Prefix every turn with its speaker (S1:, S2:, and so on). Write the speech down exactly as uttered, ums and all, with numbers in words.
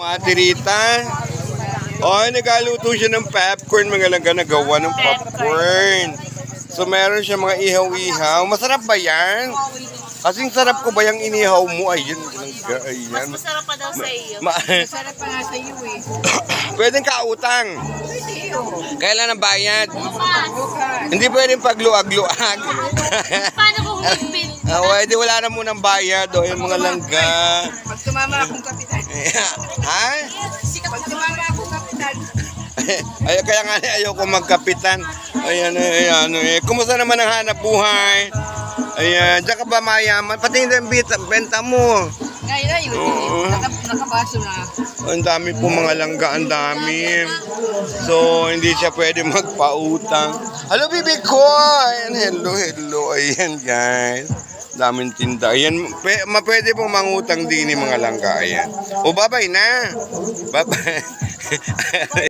S1: Ate Rita. Oh, nagaluto siya ng popcorn. Mga langga nagawa ng popcorn. So, meron siya mga ihaw-ihaw. Masarap ba yan? Kasing sarap ko ba yung inihaw mo? Ayan, langga, ayan.
S2: Mas masarap pa daw sa iyo.
S1: Ma
S3: Masarap pa nga sa iyo eh.
S1: Pwedeng kautang.
S3: Pwede oh.
S1: Kailan ang bayad?
S3: Bukas.
S1: Hindi pwedeng pagluag-luag.
S2: Paano kung higpit?
S1: Ah, pwede, wala na munang bayad. O, yung mga langga.
S3: Pag tumama akong kapitan.
S1: Ha?
S3: Pag tumama akong kapitan.
S1: Ay, kaya nga ayoko magkapitan. Ayan, ayan, eh. Kumusta naman ang hanap buhay? Ayan, diyan ka ba mayaman? Pati yung benta, benta mo.
S3: Ngayon na yun.
S1: Oo.
S3: Naka, nakabaso na.
S1: Ang dami po mga langga, ang dami. So, hindi siya pwede magpautang. Hello, baby ko! Ayan, hello, hello. Ayan, guys. Daming tinda. Ayan, pe, ma pwede pong mangutang din yung mga langga. Ayan. O, bye-bye na. Bye-bye.